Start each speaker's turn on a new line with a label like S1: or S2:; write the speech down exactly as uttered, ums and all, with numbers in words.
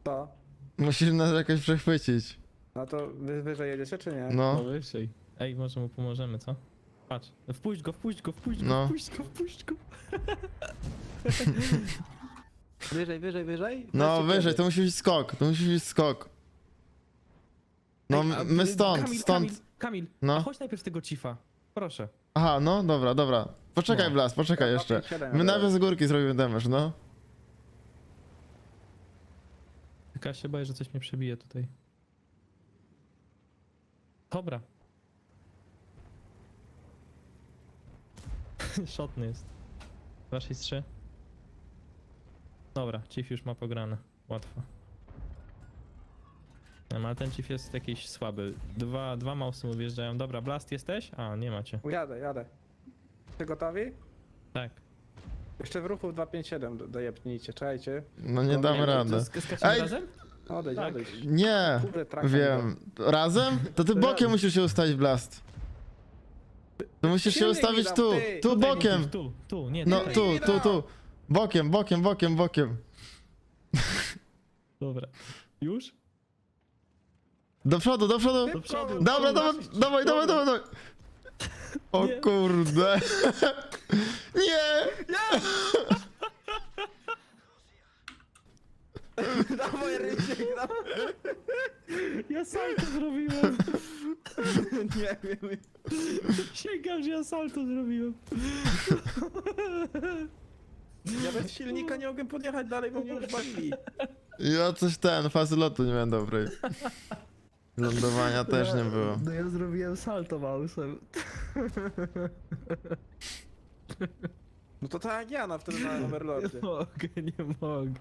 S1: To.
S2: Musisz nas jakoś przechwycić.
S1: No to wy wyżej jedziecie, czy nie?
S2: No.
S3: No wyżej. Ej, może mu pomożemy, co? Patrz. Wpuść go, wpuść go, wpuść go,
S2: No.
S3: wpuść go, wpuść go.
S1: Wyżej, wyżej, wyżej?
S2: No
S1: Weźcie
S2: wyżej,
S1: kiedy.
S2: to musi być skok, to musi być skok. No
S3: Ej, a,
S2: my
S3: y,
S2: stąd,
S3: Kamil,
S2: stąd.
S3: Kamil, Kamil,
S2: No.
S3: a chodź najpierw z tego cifa. Proszę.
S2: Aha, no dobra, dobra. Poczekaj
S3: No.
S2: Blas, poczekaj
S1: Ja
S2: jeszcze.
S1: pięć siedem
S2: My
S1: jadę.
S2: najpierw z górki zrobimy damage, no.
S3: Tylko ja się boję, że coś mnie przebije tutaj. Dobra. Szotny jest. dwa sześć trzy. Dobra, chief już ma pograne. Łatwo. Nie, ale ten chief jest jakiś słaby. Dwa, dwa mausy mu wjeżdżają. Dobra, Blast jesteś? A, nie macie.
S1: Jadę, jadę. Ty gotowi?
S3: Tak.
S1: Jeszcze w ruchu dwa pięć siedem do- dojepnijcie, czekajcie.
S2: No nie
S1: No,
S2: damy
S1: nie, to
S2: radę.
S3: Sk- Skaczemy
S2: Ej!
S3: razem?
S1: Odejdź,
S3: Tak.
S1: odejdź.
S2: Nie,
S1: Kurde, traktor
S2: wiem. Razem? To ty bokiem musisz się ustawić, Blast. To musisz się
S1: Silnik
S2: ustawić
S1: mi dam,
S2: tu,
S1: ty.
S2: tu
S3: Tutaj
S2: bokiem.
S3: musisz, Tu, tu, nie,
S2: No
S3: tutaj.
S2: tu, tu, tu. Bokiem, bokiem, bokiem, bokiem.
S3: Dobra. Już?
S2: Do przodu, do przodu.
S3: Do przodu.
S2: Dobra, dawaj, dawaj, dawaj, dawaj, dawaj. O
S3: Nie.
S2: kurde. Nie!
S1: Dawaj, Rysiek, dawaj.
S3: Ja salto zrobiłem.
S1: Nie wiem.
S3: Sięgam, że ja salto zrobiłem.
S1: Ja bez silnika nie mogłem podjechać dalej, bo mnie już bawili.
S2: Ja coś ten, fazy lotu nie miałem dobrej. Lądowania też nie było.
S3: No ja zrobiłem salto mausem.
S1: No to tak jak ja na wtedy na Overlordzie.
S3: Nie mogę, nie mogę.